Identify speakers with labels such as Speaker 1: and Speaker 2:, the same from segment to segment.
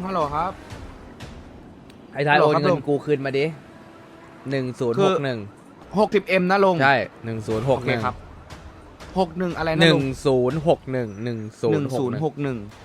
Speaker 1: ฮัลโหลครับ
Speaker 2: ไอ้ท้าย
Speaker 1: ฮัล
Speaker 2: โอ
Speaker 1: โหลครั
Speaker 2: น
Speaker 1: บ
Speaker 2: เงิ
Speaker 1: ลุ
Speaker 2: น
Speaker 1: ง
Speaker 2: กูคืนมาดิ1061
Speaker 1: 60M นะลุง
Speaker 2: ใช่
Speaker 1: โอเคครั
Speaker 2: 1061
Speaker 1: บ61อะไรนะลุง
Speaker 2: 1061 1061
Speaker 1: 1061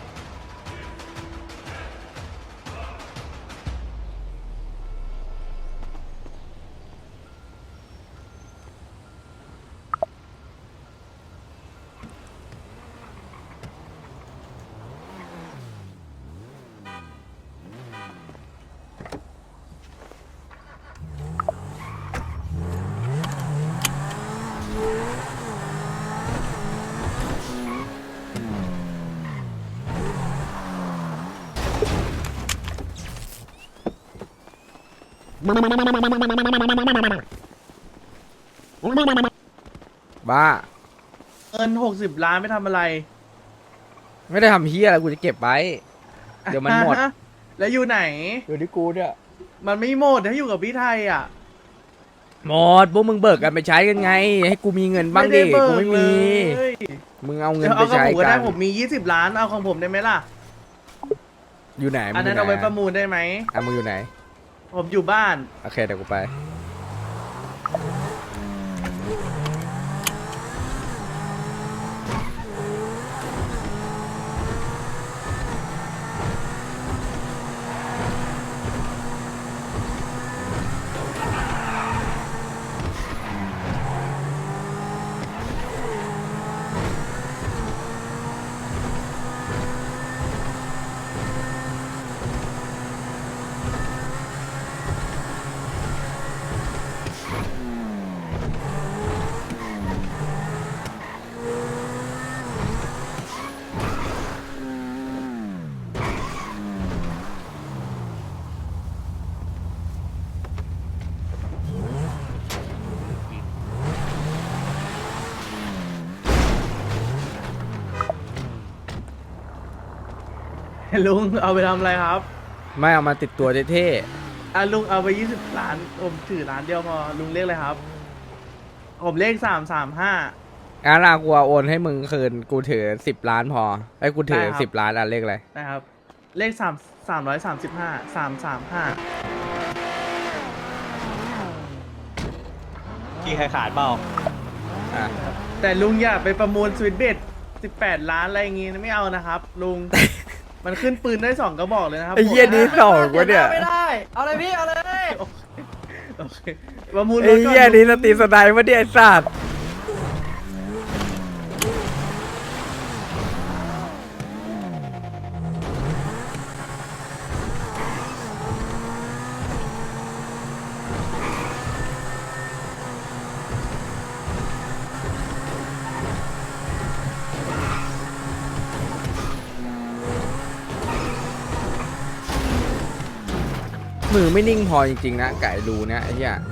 Speaker 2: บ้า
Speaker 3: เงิน60 ล้านไม่ทำอะไร
Speaker 2: ไม่ได้ทำเฮียอะไรกูจะเก็บไว้ เดี๋ยวมันหมด
Speaker 3: แล้วอยู่ไหน
Speaker 2: อยู่ที่กูเนี่ย
Speaker 3: มันไม่หมดถ้าอยู่กับพี่ไทยอ่ะ
Speaker 2: หมดพวกมึงเบิกกันไปใช้กันไง ให้กูมีเงินบ้างดิ
Speaker 3: เบิ
Speaker 2: กูไม่มี
Speaker 3: เลย
Speaker 2: มึงเอาเงิน
Speaker 3: เดี๋ยว
Speaker 2: ไป
Speaker 3: เอากับ
Speaker 2: ใช้
Speaker 3: ผมก็
Speaker 2: กั
Speaker 3: ได้
Speaker 2: น
Speaker 3: ผมมี20 ล้านเอาของผมได้ไหมล่ะ
Speaker 2: อยู่ไหน
Speaker 3: อันนั้น
Speaker 2: มึ
Speaker 3: เอา
Speaker 2: ง
Speaker 3: ไว้
Speaker 2: ยู่ห
Speaker 3: ประมูลได้ไหม
Speaker 2: อ่ะมึงอยู่ไหน
Speaker 3: ผมอยู่บ้าน
Speaker 2: โอเคเดี๋ยวกูไป
Speaker 3: ลุงเอาไปทำอะไรครับ
Speaker 2: ไม่เอามาติดตัวเท่
Speaker 3: ลุงเอาไป20 ล้านผมถือล้านเดียวพอลุงเลขอะไรครับ ผมเลข335
Speaker 2: ๆงั้นกูเอาโอนให้มึงคืนกูถือ10 ล้านพอไอ้กูถือ
Speaker 3: ได้ครับ
Speaker 2: 10 ล้านอ่ะเลขอะไร
Speaker 3: นะครับ เลข335 335
Speaker 4: มีใครขาดเปล่า
Speaker 2: อ่ะ
Speaker 3: แต่ลุงอย่าไปประมูลสวิตเบต18 ล้านอะไรอย่างงี้นะไม่เอานะครับ ลุง มันขึ้นปืนได้2กระบอกเลยนะครับ
Speaker 2: ไอ้เหี้ยนี้สองวะเนี่ย
Speaker 5: ไม่ได้ เอาเลยพี่ เอาเลย
Speaker 3: โอเคประมูลร
Speaker 2: ไอ้
Speaker 3: ถก่อน
Speaker 2: เหี้ยนี้สติสไนวะเนี่ยไอ้สัตว์มือไม่นิ่งพอจริงๆนะไก่ดูเนี่ยไอ้เหี้ย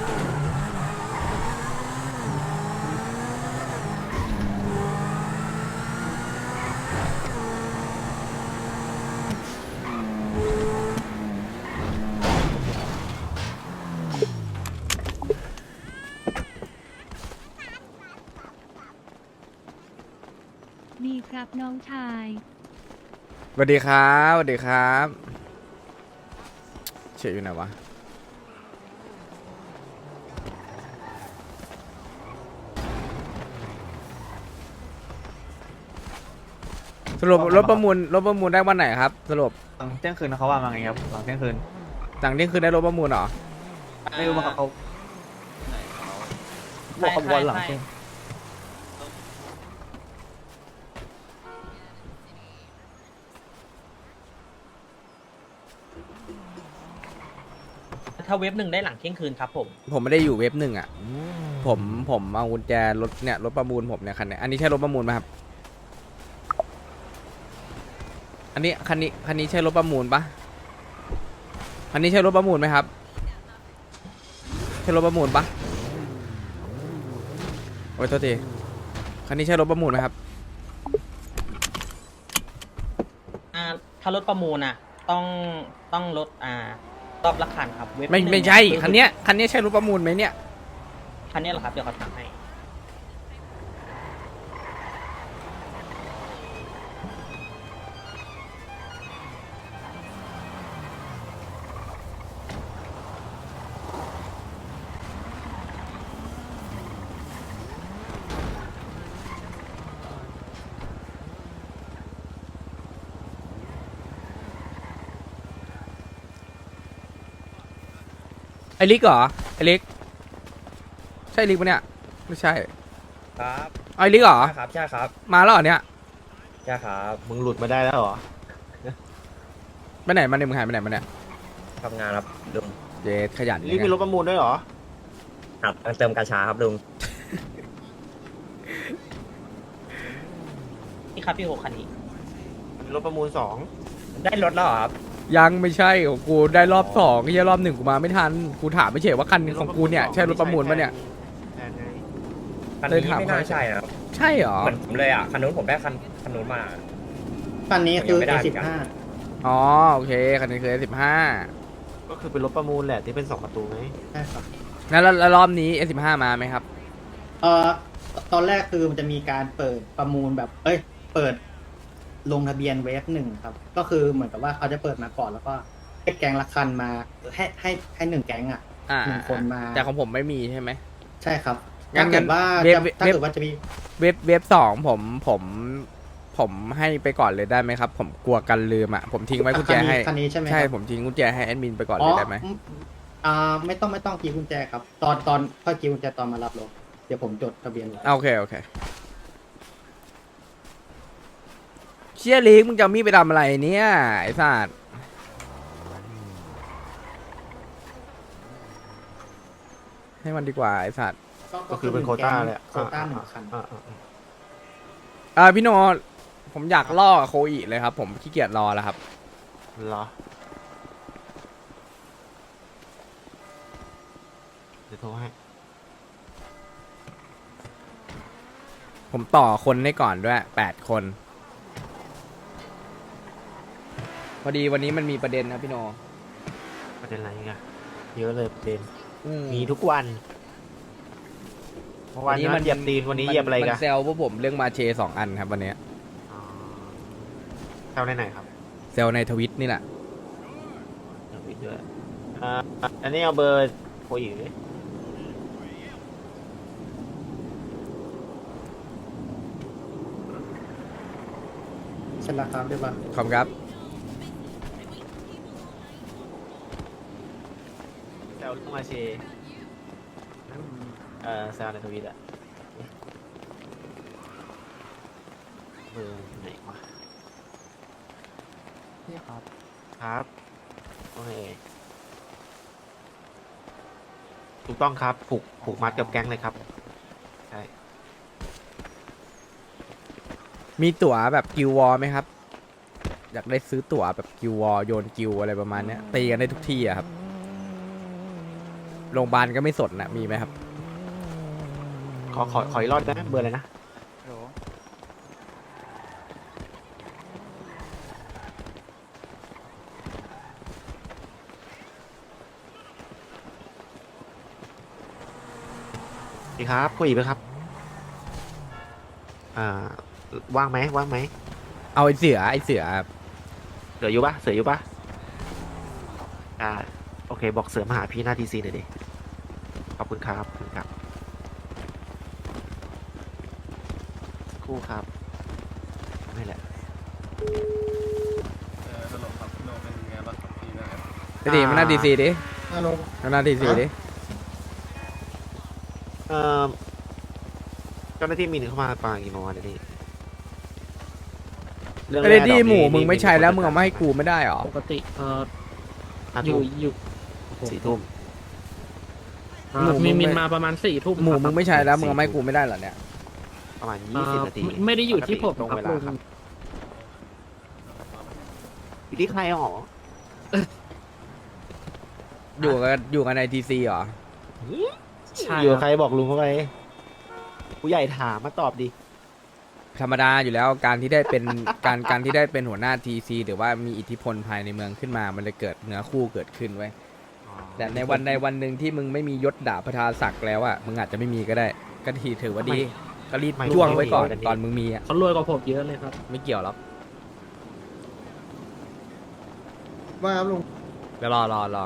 Speaker 6: ดีครับน้องชาย
Speaker 2: สวัสดีครับสวัสดีครับเฉยอยู่ไหนวะสรุปรถประมูลได้วันไหนครับ สรุป
Speaker 4: หลังเที่ยงคืนเขาว่ามาไงครับหลังเที่ยงคืน
Speaker 2: หลังเที่ยงคืนได้รถประมูลเหรอ
Speaker 4: ไม่รู้ว่าเขาบอกเขาบอกว่าหลังเที่ยง
Speaker 5: ถ้าเว็บหนึ่งได้หลังเที่ยงคืนครับผม
Speaker 2: ผมไม่ได้อยู่เว็บหนึ่งอ่ะผมเอากุญแจรถเนี่ยรถประมูลผมเนี่ยคันเนี้ยอันนี้ใช่รถประมูลไหมครับ อันนี้คันนี้ใช่รถประมูลปะคันนี้ใช่รถประมูลไหมครับใช่รถประมูลปะโอ้ยโทษทีคันนี้ใช่รถประมูลไหมครับ
Speaker 5: ถ้ารถประมูลอ่ะ ต้องลดรอบละคันครับเว็บ
Speaker 2: ไม่
Speaker 5: หนึ่ง
Speaker 2: ไม่ใช่
Speaker 5: คือ
Speaker 2: คันเนี้ยใช่รถประมูลไหมเนี่ย
Speaker 5: คันนี้เหรอครับ เดี๋ยวเขาถามให้
Speaker 2: อ้ลิกเหรอไอ้ลิกใช่ลิกปะเนี่ยไม่ใช่
Speaker 7: ครับ
Speaker 2: ไอ้ลิกเหรอ
Speaker 7: ใช่ครับใช่ครับ
Speaker 2: มาแล้วเหรอเนี่ย
Speaker 7: ใช่ครับ
Speaker 4: มึงหลุดมาได้แล้วเหรอ
Speaker 2: ไปไหนมาเนี่ยมึงหายไปไหนมาเนี่ย
Speaker 7: ทำงานครับลุง
Speaker 2: เจ๊ขยัน
Speaker 4: นี่มีรถประมูลด้วยเหรอ
Speaker 7: ครับเติมกาชาครับลุง
Speaker 5: นี่ครับพี่หกคันนี้
Speaker 4: รถประมูล
Speaker 7: ได้รถแล้วเหรอครับ
Speaker 2: ยังไม่ใช่ของกูได้รอบสองที่รอบหนึ่งกูมาไม่ทันกูถามไม่เฉยว่าคันของกูเนี่ยใช่รถประมูลปะเนี่ย
Speaker 4: แทนไง
Speaker 7: คัน
Speaker 2: เลย
Speaker 7: นี้
Speaker 2: ถาม
Speaker 7: ไม่น่าใช่นะครับ
Speaker 2: ใช่เหรอ
Speaker 7: เหมือนผมเลยอ่ะคันนู้นผมได้คันนู้นมา
Speaker 8: คันนี้คือ
Speaker 7: ยังไม่ได้เหมือนกัน
Speaker 8: A15
Speaker 2: อ๋อโอเคคันนี้คือ15
Speaker 4: ก็คือเป็นรถประมูลแหละที่เป็น2ประตูไง
Speaker 8: ใช่ครับ
Speaker 2: แล้วรอบนี้ S15 มาไหมครับ
Speaker 8: เอ่อตอนแรกคือมันจะมีการเปิดประมูลแบบ เปิดลงทะเบียนเวฟหนึ่งครับ ก็คือเหมือนกับว่าเขาจะเปิดมาก่อนแล้วก็ให้แก๊งละคันมาให้หนึ่งแก๊งอ่ะ
Speaker 2: อ่า
Speaker 8: หนึ่งคนมา
Speaker 2: แต่ของผมไม่มีใช่ไหม
Speaker 8: ใช่ครับ
Speaker 2: งั้
Speaker 8: ถ้าน เกิดว่า
Speaker 2: เว็บ
Speaker 8: ถ้า
Speaker 2: เว็บ
Speaker 8: เกิดว่าจะมี
Speaker 2: เว็บสองผมให้ไปก่อนเลยได้ไหมครับ ผมกลัวกันลืมอ่ะผมทิ้งไว้กุญแจให้
Speaker 8: คันนี้ใช่ไหม
Speaker 2: ใช่
Speaker 8: ครับ
Speaker 2: ผมทิ้งกุญแจให้แอดมินไปก่อนเลยได้ไหม
Speaker 8: ไม่ต้องกีกุญแจครับ ตอนค่อยกีกุญแจตอนมารับรถเดี๋ยวผมจดทะเบียนไว้
Speaker 2: โอเคเชี่ยลิกมึงจะเอามีดไปทำอะไรเนี่ยไอ้สัตว์ให้มันดีกว่าไอ้สัตว์
Speaker 4: ก็คือเป็นโควต้าเลยอะ
Speaker 8: โควต้าหนึ่งคัน
Speaker 2: พี่โนผมอยากล่อโคอีเลยครับ ผมขี้เกียจรอแล้วครับ
Speaker 4: เหรอ เดี๋ยวโทรให้
Speaker 2: ผมต่อคนให้ก่อนด้วย8 คนพอดีวันนี้มันมีประเด็นนะพี่โน
Speaker 4: ประเด็นอะไรกันเยอะเลยประเด็น
Speaker 2: อื
Speaker 4: มีทุกวันเมื่อวานนั้นเหยียบตีนวันนี้เหยียบอะไร
Speaker 2: มั
Speaker 4: กัน
Speaker 2: นแซวพวกผมเรื่องมาเช2 อันครับวันเนี้ย
Speaker 4: เท่าไหนครับ
Speaker 2: เซลในทวิตนี่แหละ
Speaker 4: เดี๋ยวปิดด้วยอันนี้เอาเบอร์โคอีกดิ
Speaker 8: เช่นราคาด้วยป่ะ
Speaker 2: ขอบคุณครับ
Speaker 4: แซวลูกมาเชแซวในทวิตอะเบอร์ไหนวะ
Speaker 1: นี่ครับ
Speaker 4: ครับโอเคถูกต้องครับผูกมัดกับแก๊งเลยครับใช่
Speaker 2: มีตั๋วแบบกิววอลไหมครับ อยากได้ซื้อตั๋วแบบกิววอลโยนกิวอะไรประมาณเนี้ยตีกันได้ทุกที่อะครับโรงพยาบาลก็ไม่สนนะมีไหมครับ
Speaker 4: ขออีกรอบได้ไหมเบอร์อะไรนะดีครับคุยอีกไหมครับว่างไหม
Speaker 2: เอาไอ้เสือครับ
Speaker 4: เสืออยู่ปะโอเคบอกเสือมาหาพี่หน้าทีซีหน่อยดิขอบคุณครับสักครู่ครับนี่แหละ
Speaker 2: ไปดิมันน่าดีซีดิ
Speaker 8: ฮัลโหล
Speaker 2: มันน่าดีซีดิ
Speaker 4: เจ้าหน้าที่มีหนึ่งเข้ามาปางกี่โมงวันนี้
Speaker 2: ไอ้ที่หมูมึงไม่ใช่แล้วมึงเอามาให้กูไม่ได้หรอ
Speaker 9: ปกติ
Speaker 4: 4
Speaker 9: อยู่
Speaker 4: ทุ่ม
Speaker 2: หมูมึง
Speaker 9: มินมาประมาณ4 ทุ่ม
Speaker 2: หมูมึงไม่ใช่แล้วมึงเอามาให้กูไม่ได้เหรอเนี่ย
Speaker 4: ประมาณ20 นาที
Speaker 9: ไม่ได้อยู่ที่ผม
Speaker 4: ตรง
Speaker 9: ครับ
Speaker 4: เวลา
Speaker 9: ลุง
Speaker 4: ครับอยู่ที่ใครหรอ
Speaker 2: อยู่กันในทีซีเหรอ
Speaker 9: ใช่
Speaker 4: อยู่
Speaker 9: ค
Speaker 4: กับใค
Speaker 9: รั
Speaker 4: ร
Speaker 9: บ
Speaker 4: บอกลุงเข้าไปผู้ใหญ่ถามมาตอบดิ
Speaker 2: ธรรมดาอยู่แล้วการที่ได้เป็น การที่ได้เป็นหัวหน้าทีซีหรือว่ามีอิทธิพลภายในเมืองขึ้นมามันเลยเกิดเนื้อคู่เกิดขึ้นไว้ยแต่ในวันหนึ่งที่มึงไม่มียศดาบประธานศักดิ์แล้วอ่ะมึงอาจจะไม่มีก็ได้ก็ทีถือว่าดีก็รีบจ้วงไว้ก่อนตอนมึงมีอ่ะ
Speaker 9: เขารวยกว่าผมเยอะเลยครับ
Speaker 2: ไม่เกี่ยวหรอก
Speaker 8: ว่าครับลุง
Speaker 2: เดี๋ยวรอ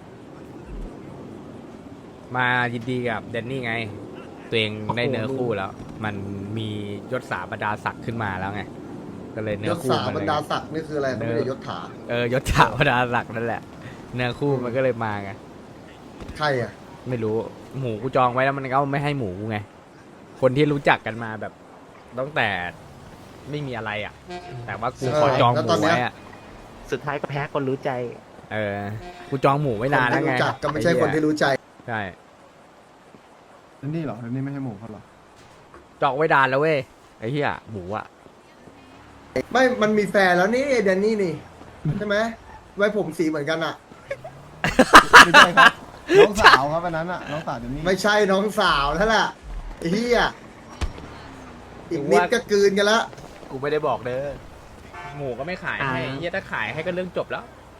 Speaker 2: มายินดีกับเดนนี่ไง ตัวเองได้เนื้อคู่แล้ว มันมียศสาบรรดาศักดิ์ขึ้นมาแล้วไงก็เลยเนื้
Speaker 10: ย
Speaker 2: อ
Speaker 10: ศ
Speaker 2: คู่
Speaker 10: สา
Speaker 2: มัน
Speaker 10: บร
Speaker 2: เล
Speaker 10: ร
Speaker 2: ย
Speaker 10: ดาศักดิ์นี่คืออะไรไม่ได้ยศถา
Speaker 2: ยศสาบรรดาศักดิ์นั่นแหละ เนื้อคู่มันก็เลยมาไง
Speaker 10: ใครอ่ะ
Speaker 2: ไม่รู้หมูกูจองไว้แล้วมันก็ไม่ให้หมูกูไง คนที่รู้จักกันมาแบบตั้งแต่ไม่มีอะไรอ่ะ แต่ว่ากูขอจองหมูไว้อ่ะ
Speaker 4: สุดท้ายก็แพ้คนรู้ใจ
Speaker 2: กูจองหมูไว้นานแล้วไง
Speaker 10: รู้จักก็ไม่ใช่คนที่รู้ใจ
Speaker 2: ใช่
Speaker 1: นี่เหรอนี่ไม่ให้หมูเขาหรอ
Speaker 2: จองไว้นานแล้วเว้ยไอ้เหี้ยหมูอ่ะ
Speaker 10: ไม่มันมีแฟนแล้วนี่แดนนี่นี่ใช่ไหมไว้ผมสีเหมือนกันอ่ะ
Speaker 1: ไม่ใช่ครับ น้องสาวครับอันนั้นอ่ะ น้องสาวเดี๋ยวนี้
Speaker 10: ไม่ใช่น้องสาวนั่นแหละไอ้เหี้ยอีกนิดก็กลืนกันละ
Speaker 2: กูไม่ได้บอกเด้อหมูก็ไม่ขายให้
Speaker 9: อ่า
Speaker 2: เหี้ยถ้าขายให้ก็เรื่องจบแล้ว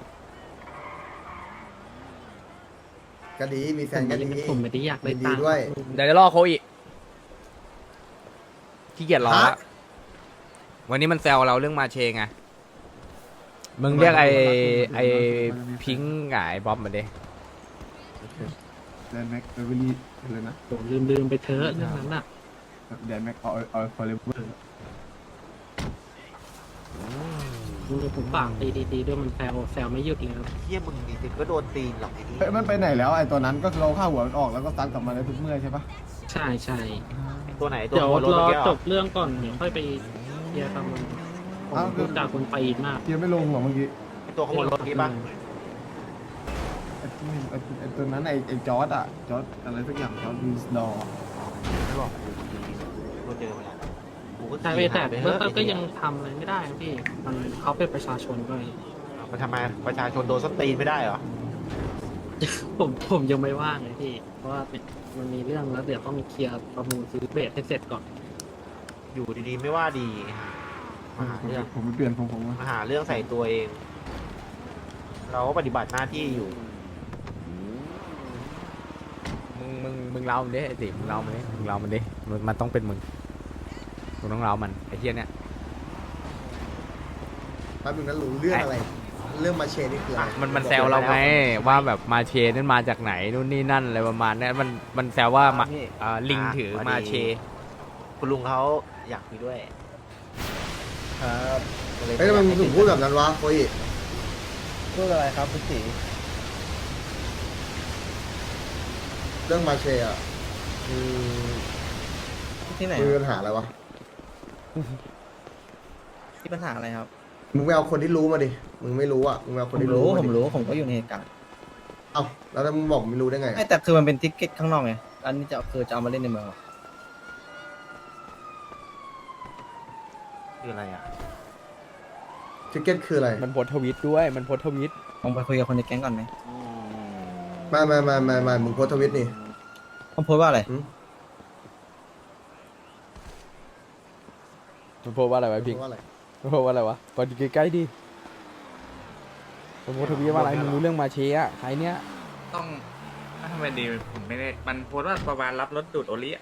Speaker 10: ก็ดีมีแฟนก็ดี
Speaker 9: ผมไม่ได้อยากได้
Speaker 10: ยินดี
Speaker 9: ตังค์
Speaker 10: ด้วย
Speaker 2: เดี๋ยวจะรอโคอีกขี้เกียจรอละ
Speaker 10: ฮะ
Speaker 2: วันนี้มันแซวเราเรื่องมาเชงไงมึงเรียกไอพิงค์กับไอ้บ๊อบมาดิ
Speaker 1: แดนแม็กเบเวอรี่เลยนะ
Speaker 9: ผมลืมไปเถอะเรื่องนั้นอ่ะ
Speaker 1: แดนแม็กเอาฟอร์เรเวอร์
Speaker 9: ผมฝากตีด้วยมันแซวไม่หยุดเลยครับ
Speaker 4: เฮียมึงนี่ก็โดนตีนหรอกไอ้นี่
Speaker 1: เฮ้ยมันไปไหนแล้วไอ้ตัวนั้นก็เราฆ่าหัวมันออกแล้วก็ซัดกลับมาในทุกเมื่อใช่ปะ
Speaker 9: ใช่ใช่
Speaker 4: ตัวไหนตัว
Speaker 9: เดี๋ยว
Speaker 4: หัวรถ
Speaker 9: รอ
Speaker 4: เมื่อกี้เหร
Speaker 9: จ
Speaker 4: อบ
Speaker 9: เรื่องก่อนเดี๋ยวค่อยไปเคลียร์ตามมันผมรู้จักคนตีนมาก
Speaker 1: เทียไม่ลงหัวเมื่อกี้
Speaker 4: ตัวขโมยรถเมื่อกี้ปะ
Speaker 1: ไอ้ตัวนั้นไอ้จอร์ดอ่ะจอร์ดอะไรสักอย่างจอร์ดวินสดอร์
Speaker 4: ไม่บอกกูเจอมาแล้วกูก็
Speaker 9: ใช่
Speaker 4: ขี่
Speaker 9: แต่
Speaker 4: หายไป
Speaker 9: เมื่
Speaker 4: เฮ้
Speaker 9: อย ก็ยังทำอะไรไม่ได้นะพี่มันเขาเป็นประชาชนด้วย
Speaker 4: มันทำไมประชาชนโดนสตีนไม่ได้เหรอ
Speaker 9: ผมยังไม่ว่างเลยพี่ เพราะว่ามันมีเรื่องแล้วเดี๋ยวต้องเคลียร์ประมูลซื้อเบสให้เสร็จก่อน
Speaker 4: อยู่ดีๆไม่ว่าดีมาหาเรื่อง
Speaker 1: ผมไปเปลี่ยนผมว่า
Speaker 4: มาหาเรื่องใส่ตัวเอง เราก็ปฏิบัติหน้าที่อยู่
Speaker 2: มึงเล่ามันดิไอ้สิมึงเล่ามันดิมันต้องเป็นมึงต้องเล่ามันไอ้เหี้ยเนี่ย
Speaker 10: แป๊บนึงนั้นรู้เรื่องอะไร เรื่องมาเชนี่คืออะไร
Speaker 2: มันแซวเราไงว่าแบบมาเชนั่นมาจากไหนนู่นนี่นั่นอะไรประมาณนี้มันแซวว่ามาลิงถือมาเช
Speaker 4: คุณลุงเขาอยากคุยด้วย
Speaker 10: ครับเฮ้ยทำไมมึงถึงพูดแบบนั้นวะโค้ย
Speaker 8: พูดอะไรครับคุณสี
Speaker 10: เรื่องมาเชอ่ะ
Speaker 8: ที่ไหน
Speaker 10: มีปัญหาอะไรวะ
Speaker 8: ที่ปัญหาอะไรครับ
Speaker 10: มึงไปเอาคนที่รู้มาดิมึงไม่รู้อ่ะมึงไปเอาคนที่รู้มาดิ
Speaker 8: ผมก็อยู่ในเหตุการณ์
Speaker 10: เอ้าแล้วถ้ามึงบอกไม่รู้ได้ไง
Speaker 8: แต่คือมันเป็นทิกเก็ตข้างนอกไงอันนี้จะเอามาเล่นในเมือง
Speaker 4: คืออะไรอ่ะ
Speaker 10: ทิกเก็ตคืออะไร
Speaker 2: มันโพสต์ทวิตด้วยมันโพสต์ทวิต
Speaker 8: ผมไปคุยกับคนในแก๊งก่อนไหม
Speaker 10: ไม่มึงโพสต์ทวิตนี่
Speaker 8: ผมโพสต์ว่าอะไร
Speaker 2: มันโพสต์ว่าอะไรวะ
Speaker 10: โพ
Speaker 2: พิ
Speaker 10: ส
Speaker 2: ง
Speaker 10: ต์ว่าอะไร
Speaker 2: มันโพสต์ว่าอะไรวะก่อนอยู่ใกล้ๆดิมันโพสต์ทวิตว่าอะไรมึงรู้เรื่องมาเชอะใครเนี่ย
Speaker 11: ต้องทำไมดีผมไม่ได้มันโพสต์ว่าประมาณรับรถดูดโอลิอะ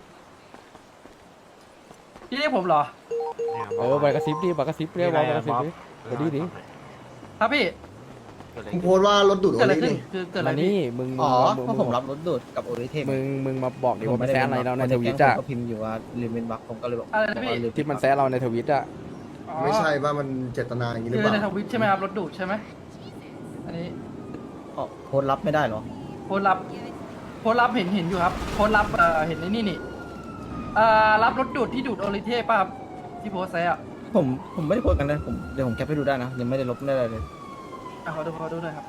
Speaker 5: พี่เรียกผมเหรอ
Speaker 2: ไปกระซิบดิไปกระซิบเรียกว่าไปกระซิบดิไปดิ
Speaker 5: ครับพี่
Speaker 10: มึงโพสต์ว่ารถดูดโอ
Speaker 5: เกิดอะไร
Speaker 10: ลิ
Speaker 5: ขึ้น
Speaker 10: นี่
Speaker 5: คือเกิดอะไร
Speaker 2: มา
Speaker 5: พี่
Speaker 2: นี่มึง
Speaker 8: อ๋อเพราะผมรับรถดูดกับโอริเทพ
Speaker 2: มึงมาบอกดิว่ามันแซะอะไรเราในทวิตอะ
Speaker 8: ก็พิมพ์อยู่ว่าลืมเป็นบักผมก็เลยบอก
Speaker 5: อะไรนะพี่
Speaker 2: ที่มันแซะเราในทวิตอะ
Speaker 5: อ๋อ
Speaker 10: ไม่ใช่ว่ามันเจตนาอย่างนี้หรือ
Speaker 5: คือ
Speaker 10: เปล่า
Speaker 5: ในทวิตใช่ไหมครับรถดูดใช่ไหมอันนี้
Speaker 8: โพสต์รับไม่ได้เหรอ
Speaker 5: โพสต์รับเห็นอยู่ครับโพสต์รับเห็นในนี่รับรถดูดที่ดูดโอริเทพป่ะครับที่โพสต์ไซอะ
Speaker 8: ผมไม่ได้โพสต์กันนะเดี๋ยวผมแคปให้ดูได้นะยังไม่ได้ลบไม่ได้อะไรเลย
Speaker 5: ขอดูหน่อยครับ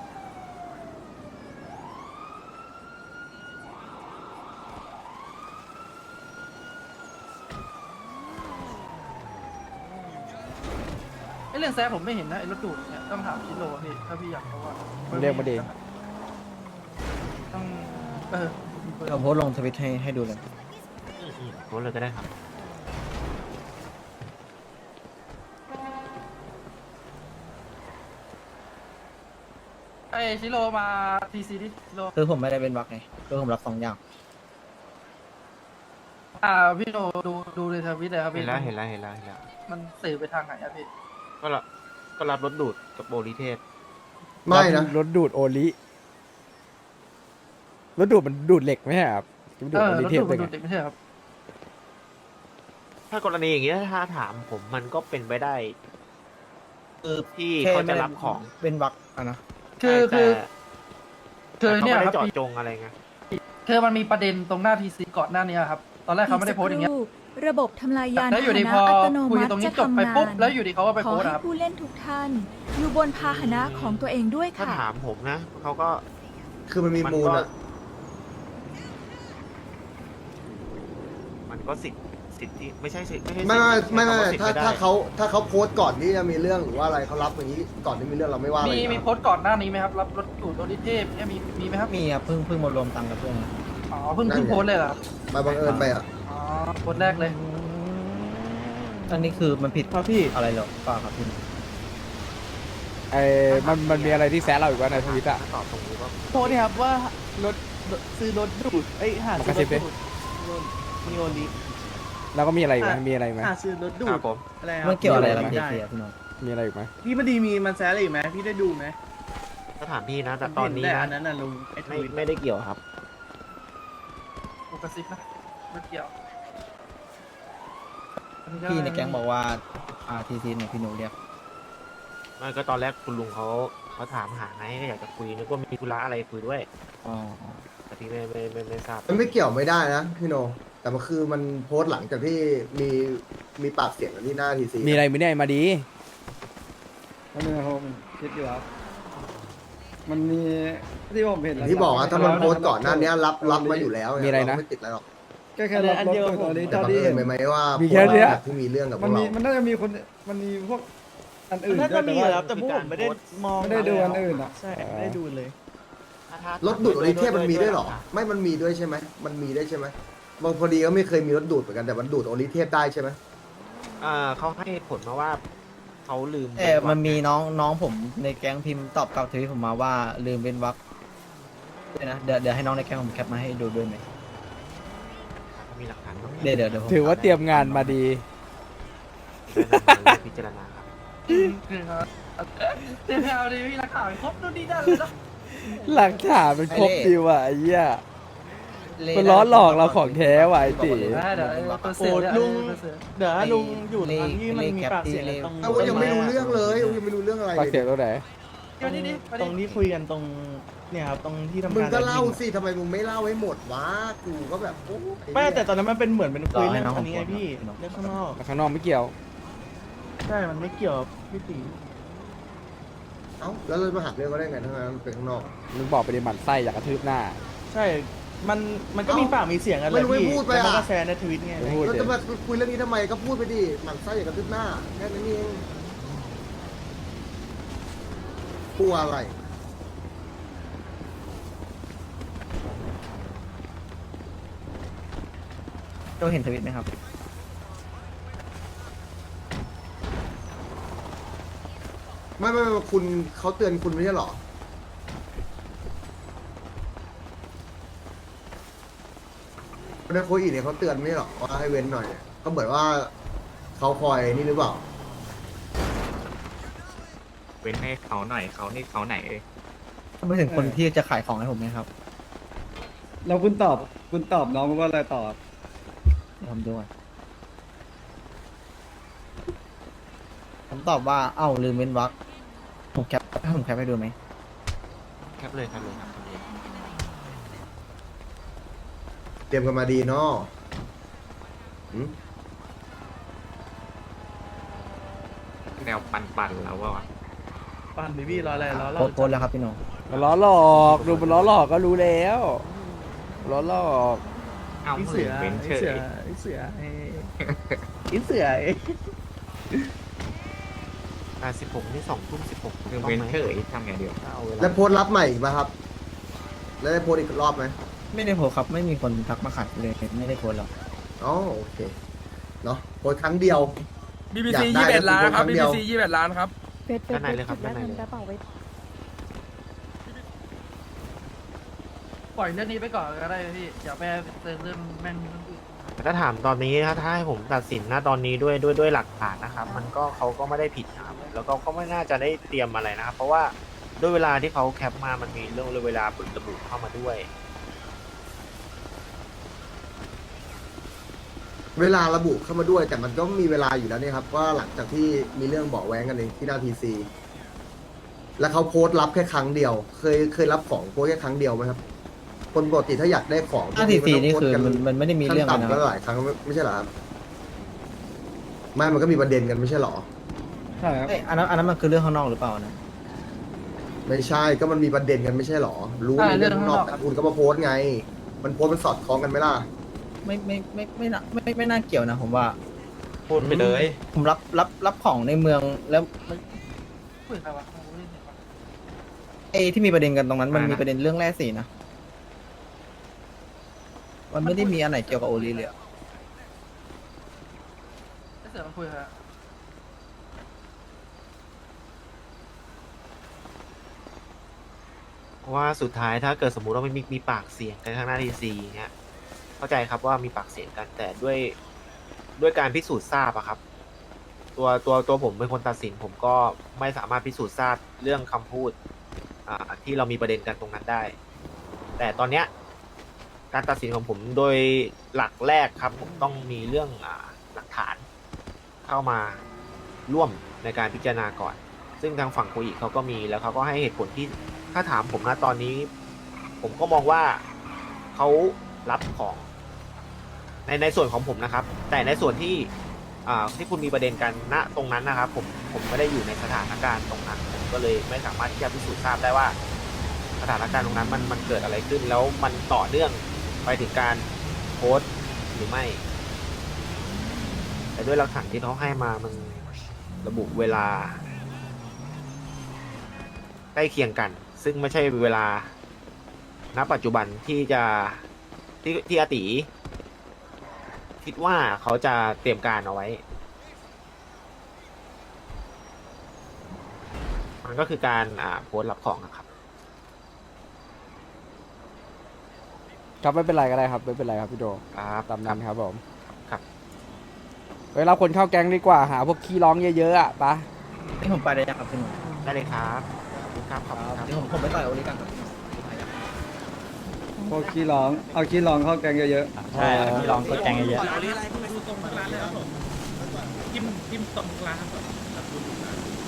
Speaker 5: ไอเรื่องแซะผมไม่เห็นนะไอรถดูดเนี่ยต้องถามชิโร่พี่ถ้าพี่อยากรู้ว่า
Speaker 2: มึงเรียกมาดิ
Speaker 5: ต้อง
Speaker 8: เราโพสต์ลงทวิตให้ดูเลย
Speaker 4: โพสต์เลยก็ได้ครับ
Speaker 5: ไอชิโร่มาทีซีดิชิโร่
Speaker 8: คือผมไม่ได้เป็นบักไงคือผมรับ2 อย่าง
Speaker 5: พี่โนดูในทวิตเลยครับ
Speaker 4: เห็
Speaker 5: พี่
Speaker 4: นแล้ว
Speaker 5: มันสื่อไปทางไหนอะพี่
Speaker 4: ก็รับรถดูดกับโบลิเทศ
Speaker 10: ไม่นะ
Speaker 2: รถดูดโอลิรถดูดมันดูดเหล็กไหมครับดูดโอลิ
Speaker 5: รถ
Speaker 2: เท
Speaker 5: ดู
Speaker 2: ป
Speaker 5: ด
Speaker 2: เลย
Speaker 5: มันดูดเด็กไม่ใช่ครับ
Speaker 4: ถ้ากรณีอย่างนี้ถ้าถามผมมันก็เป็นไปได้
Speaker 8: คือ
Speaker 4: ที่เขาจะรับของ
Speaker 8: เป็นบักนะ
Speaker 5: คือคือ
Speaker 4: เขา
Speaker 5: เนี่ย
Speaker 4: ไม่
Speaker 5: ค
Speaker 4: ได้
Speaker 5: รับ
Speaker 4: เจาะ
Speaker 5: พี่
Speaker 4: จงอะไรไง
Speaker 5: คือมันมีประเด็นตรงหน้าทีซีก่อนหน้านี้ครับตอนแรกเขาไม่ได้โพสต์อย่างเงี้ย
Speaker 12: ระบบทำลายยาน
Speaker 5: แล้วอยู่ดี
Speaker 12: พาห
Speaker 5: พอ
Speaker 12: นะอัตโน
Speaker 5: คุย
Speaker 12: มัติ
Speaker 5: ตรงนี้
Speaker 12: จะ
Speaker 5: จบไป
Speaker 12: ทำงา
Speaker 5: ปุ๊บ
Speaker 12: น
Speaker 5: แล้วอยู่ดีเขาก็ไป
Speaker 12: ขอ
Speaker 5: โพสต์
Speaker 12: ให้
Speaker 5: ครับ
Speaker 12: ผู้เล่นทุกท่าน อยู่บนพาหนะของตัวเองด้วย
Speaker 4: ถ้า
Speaker 12: ค่ะ
Speaker 4: ถามผมนะเขาก็
Speaker 10: คือมันมีมูลอะ
Speaker 4: มันก็สิทธิ์ที่ไม่ใช่สิทธิ์ไม่ใช่
Speaker 10: ไม่
Speaker 4: สิทธิ์
Speaker 10: ไม่
Speaker 4: ใช้
Speaker 10: ไม่
Speaker 4: คำว่าสิทธิ์
Speaker 10: ถ้า
Speaker 4: ไม่ได้
Speaker 10: ถ้าเขาโพสต์ก่อนที่จะมีเรื่องหรือว่าอะไรเขารับอย่างนี้ก่อนที่มีเรื่องเราไม่ว่าอะไร
Speaker 5: มี
Speaker 10: นะ
Speaker 5: โพสต์ก่อนหน้านี้ไหมครับรับรถดูดโอริเทพเนี่ยมีไหมครับ
Speaker 9: มีครับเพิ่งมารวมตังค์กับเพื่อน
Speaker 5: อ๋อเพิ่งโพสต์เลยเหรอครับ
Speaker 10: มาบังเอิญไปอ่ะ
Speaker 5: อ๋อโพสต์แรกเลย
Speaker 9: อันนี้คือมันผิด
Speaker 3: ครับพี่
Speaker 9: อะไรหรอเปล่าครับพี่
Speaker 2: มันมีอะไรที่แซะเราอีกว่าในทวิตอะ
Speaker 4: ถ้าตอบตรงนี้ก็
Speaker 3: โพสต์เนี่ยครับว่ารถซื้อรถดูดหาซื้อรถดูดมีโอลิ
Speaker 2: แล้วก็มีอะไรอีกไหมมีอะไรอีกไหม
Speaker 3: หาซื้อรถดู
Speaker 4: ครั
Speaker 3: ด
Speaker 4: บผม
Speaker 3: อะไรครับ
Speaker 9: มันเกี่ยวอะไร
Speaker 3: ด้
Speaker 9: กับเทียพี่น้อง
Speaker 2: มีอะไรอีกไหม
Speaker 3: พี่มันดีมีมันแซะอะไรอีกไหมพี่ได้ดูไหม
Speaker 4: ถ้าถามพี่นะแต่ตอนนี้
Speaker 3: แต่
Speaker 4: นะ
Speaker 3: อันนั้นน่ะลุงไอ้ท
Speaker 4: ไม่
Speaker 3: วิต
Speaker 4: ไม่ได้เกี่ยวครับ
Speaker 5: กูกระซิบนะไม่เกี่ยว
Speaker 9: พี่ในแก๊งบอกว่าทีซีเนี่ยพี่หนูเรียก
Speaker 4: ไม่ก็ตอนแรกคุณลุงเขาถามหาไงก็อยากจะคุยนึกว่ามีธุระอะไรคุยด้วย
Speaker 9: อ๋อ
Speaker 4: แต่พี่ไม่ทราบ
Speaker 10: มันไม่เกี่ยวไม่ได้นะพี่โน แต่มันคือมันโพสต์หลังจากที่มีปากเสียงกันที่หน้าทีซี
Speaker 2: มีอะไรไม่ได้มาดี
Speaker 5: แล้วนึงผมคิดอยู่ครับมันมีที่ผมเห็น
Speaker 10: ที่บอกว่าถ้ามันโพสต์ก่อนหน้านี้รับมาอยู่แล้ว
Speaker 2: มีอะไรนะ
Speaker 10: เาไม่ติดอะไรหรอก
Speaker 5: ก็แค่รับรถตัวนี้
Speaker 10: แต่บังเอิญไปไหมว่า
Speaker 2: มีแค่เนี้ย
Speaker 10: โพสต์แบบที่มีเรื่องกับพวกเรา
Speaker 5: มันน่าจะมีคนมันมีพวกอันอื่น
Speaker 3: น่าจะมีอยู่ครับแต่พวกผมไม่ได้มอง
Speaker 5: ไม่ได้ดูอันอื่นอ่ะ
Speaker 3: ใช่ไม่ได้ดูเลย
Speaker 10: รถดูดโอริเทพมันมีด้วยเหรอ ไม่มันมีด้วยใช่ไหมมันมีได้ใช่ไหมบางพอดีก็ไม่เคยมีรถดูดเหมือนกันแต่มันดูดโอริเทพได้ใช่ไหม
Speaker 4: เขาให้ผลมาว่าเขาลืม
Speaker 9: มันมีน้องผมในแก๊งพิมพ์ตอบกลับทวิตผมมาว่าลืมเป็นวักด้วยนะเดี๋ยวให้น้องในแก๊งผมแคปมาให้ดูด้วยไหม
Speaker 4: เขามีหลักฐานบ้าง
Speaker 9: เดี๋ยวผม
Speaker 2: ถือว่าเตรียมงานมาดี
Speaker 4: พิจารณาครับ
Speaker 5: คือครับเดี๋ยวเอาดิพี่นักข่าวครบดูดีได้เลยนะ
Speaker 2: หลักฐานเป็นครบดีว่ะไอ้เหี้ยมันล้อหลอกเราของแท้ว่ะไอ้ตี
Speaker 5: ได้เดี๋ยวตัว
Speaker 3: โอ้
Speaker 5: เสือ
Speaker 3: ลุงเดี๋ยวลุงอยู่ตอนที่มันมีปากเสียงกันตรง
Speaker 10: เอายังไม่รู้เรื่องเลยยังไม่รู้เรื่องอะไร
Speaker 2: ปากเสียงตรงไหน
Speaker 5: เดี๋ยวนี่ดิ
Speaker 3: ตรงที่คุยกันตรงเนี่ยครับตรงที่ทำการ
Speaker 10: มึงก็เล่าสิทำไมมึงไม่เล่าให้หมดวะกูก็แบบโอ้ย
Speaker 3: ไม่แต่ตอนนั้นมันเป็นเหมือนเป็นคุยเรื่องอันนี้ไงพี่เรื่องข้างนอก
Speaker 2: แต่ข้างนอกไม่เกี่ยว
Speaker 3: ใช่มันไม่เกี่ยวกับพี่ตี
Speaker 10: เอ้าแล้วเรามาหักเรื่องก็ได้ไงทั้งนั้นมันเป็นข้างนอก
Speaker 2: มึงบอกไปดิหมันไส้อยากกระทืบหน้า
Speaker 3: ใช่มันก็มีปากมีเสียงกันเลย
Speaker 10: ไม่รู้ไม่
Speaker 3: พี่
Speaker 10: พูดไป
Speaker 3: แล้วมัน
Speaker 10: อ่ะ
Speaker 3: ก็แชร์ในทวิตไง
Speaker 2: พูด
Speaker 10: แล้ว
Speaker 2: ดิ
Speaker 10: จะมาคุยเรื่องนี้ทำไมก็พูดไปดิหมันไส้อย่ากระทึบหน้าแค่นั้นเองกลัวอะไร
Speaker 9: โจเห็นทวิตไหมครับ
Speaker 10: ไม่คุณเขาเตือนคุณไม่ใช่เหรอคนนั้นโคอีเนี่ยเขาเตือนไม่ใช่เหรอว่าให้เว้นหน่อยเนี่ยเขาเหมือนว่าเขาคอยนี่หรือเปล่า
Speaker 11: เว้นให้เขาหน่อยเขานี่เขาไหนเอ้ย
Speaker 9: ถ้าไม่ถึงคนที่จะขายของให้ผมไหมครับ
Speaker 5: แล้วคุณตอบน้องว่าอะไรตอบ
Speaker 9: เดี๋ยวผมดูก่อนผมตอบว่าเอ้าลืมเว้นวักผมแคปให้ดูไหม
Speaker 4: แคปเลยครับ
Speaker 10: เตรียมกันมาดีเนาะหืม
Speaker 11: แนวปั่นแล้วว่ะ
Speaker 3: ปั่นดิพี่รออะไรรอเรา
Speaker 9: โพสต์แล้วครับพี่โหนง
Speaker 2: มันล้อหลอกดูมันล้อหลอกก็รู้แล้วล้อหลอก
Speaker 11: เอา
Speaker 3: ไอ้
Speaker 11: เสื
Speaker 3: เสื
Speaker 11: อ
Speaker 3: อ
Speaker 11: เว้น
Speaker 3: ไอ้
Speaker 11: เฉ
Speaker 3: เสือย ไอ้เสือไอ้เสือ
Speaker 4: 16นี่2 ทุ่ม 16
Speaker 11: คือเว้นเฉยทำไงเดียว
Speaker 4: เอาเวลา
Speaker 10: แล้วโพสต์รับใหม่อีกป่ะครับ แล้วได้โพสต์อีกรอบไหม
Speaker 9: ไม่ได้โพสต์ครับไม่มีคนทักมาขัดเลยไม่ได้โพสต์หรอก
Speaker 10: อ๋อโอเคเนาะโพสต์ครั้งเดียว
Speaker 5: BBC
Speaker 10: อยากได้
Speaker 5: 21 ล้านครับ
Speaker 10: ครั้งเดียว
Speaker 5: BBC 21 ล้านครับ
Speaker 4: ด้านในเลยครับด้านในเลย
Speaker 5: ปล่อยเรื่องนี้ไปก่อนก็ได้พี่อย่าไปเรื่องแม่ง
Speaker 4: แต่ถ้าถามตอนนี้ถ้าให้ผมตัดสินนะตอนนี้ด้วยหลักฐานนะครับ มันก็เขาก็ไม่ได้ผิดนะครับแล้วก็ไม่น่าจะได้เตรียมอะไรนะครับ เพราะว่าด้วยเวลาที่เขาแคปมามันมีเรื่องเวลาบึกระบุเข้ามาด้วย
Speaker 10: เวลาระบุเข้ามาด้วย แต่มันก็มีเวลาอยู่แล้วเนี่ยครับว่าหลังจากที่มีเรื่องเบาะแว้งกันในที่หน้าทีซีแล้วเขาโพสต์รับแค่ครั้งเดียว เคยรับของโพสต์แค่ครั้งเดียวไหมครับ คนปกติถ้าอยากได้ของ
Speaker 9: 544นี่คือมันไม่ได้มีเรื่อง
Speaker 10: ขั้
Speaker 9: กัน
Speaker 10: น
Speaker 9: นะ
Speaker 10: ต่ำก็หลายครั้งไม่ใช่เหรอครับไม่มันก็มีประเด็นกันไม่ใช่เหรอ
Speaker 9: ใช่ครับอันนั้นมันคือเรื่องข้างนอกหรือเปล่านะ
Speaker 10: ไม่ใช่ก็มันมีประเด็นกันไม่ใช่เหรอ รู้ในเรื่องข้างนอกแต่คุณก็มาโพสต์ไง มันโพสต์มันสอดคล้องกันไหมล่ะ
Speaker 9: ไม่น่าเกี่ยวนะผมว่า
Speaker 4: พูดไปเลย
Speaker 9: ผมรับของในเมืองแล้วมัน
Speaker 5: คุยกับใครวะผมไม่ได้เห็นวะ
Speaker 9: ไอ้ที่มีประเด็นกันตรงนั้นมันมีประเด็นเรื่องแร่สีนะมันไม่ได้มีอันไหนเกี่ยวกับโอลีเลยอะ
Speaker 5: ไอ้เสือมันคุยกับใครวะ
Speaker 4: เพราะว่าสุดท้ายถ้าเกิดสมมุติว่าไม่มีปากเสียงกันข้างหน้าทีซีเนี่ยเข้าใจครับว่ามีปากเสียงกันแต่ด้วยการพิสูจน์ทราบอะครับ ตัวผมเป็นคนตัดสินผมก็ไม่สามารถพิสูจน์ทราบเรื่องคำพูดที่เรามีประเด็นกันตรงนั้นได้ แต่ตอนเนี้ยการตัดสินของผมโดยหลักแรกครับผมต้องมีเรื่องหลักฐานเข้ามาร่วมในการพิจารณาก่อน ซึ่งทางฝั่งโคอิเขาก็มีแล้วเขาก็ให้เหตุผลที่ถ้าถามผมนะตอนนี้ ผมก็มองว่าเขารับของในส่วนของผมนะครับ แต่ในส่วนที่คุณมีประเด็นกันณตรงนั้นนะครับผมไม่ได้อยู่ในสถานการณ์ตรงนั้นผมก็เลยไม่สามารถที่จะพิสูจน์ทราบได้ว่าสถานการณ์ตรงนั้นมันเกิดอะไรขึ้นแล้วมันต่อเนื่องไปถึงการโพสต์หรือไม่ แต่ด้วยหลักฐานที่เขาให้มามันระบุเวลาใกล้เคียงกัน ซึ่งไม่ใช่เวลาณปัจจุบันที่อาติคิดว่าเขาจะเตรียมการเอาไว้ มันก็คือการโพสต์รับของนะครับ
Speaker 2: ครับไม่เป็นไรก็ได้ครับไม่เป็นไรครับพี่โด
Speaker 4: ครับ
Speaker 2: ตามนั้นครับผม
Speaker 4: ครับ
Speaker 2: เวลาคนเข้าแก๊งดีกว่าหาพวกขี้ร้องเยอะๆอ่ะปะ
Speaker 9: นี่ผมไปได้ยังครับพี่หนุ่ม
Speaker 4: ได้เลยครับขอบคุณครับขอบคุณครับ
Speaker 9: เดี๋ยวผมไปต่อยโอลีกันครับ
Speaker 1: พวกขี้ร้องเอาขี้ร้องเข้าแกงเยอะ
Speaker 9: ใช่ที่ลองกดแกงเยอะ
Speaker 3: จิ้มตรงร้านเลยครับผมจิ้มตรงร้านครับ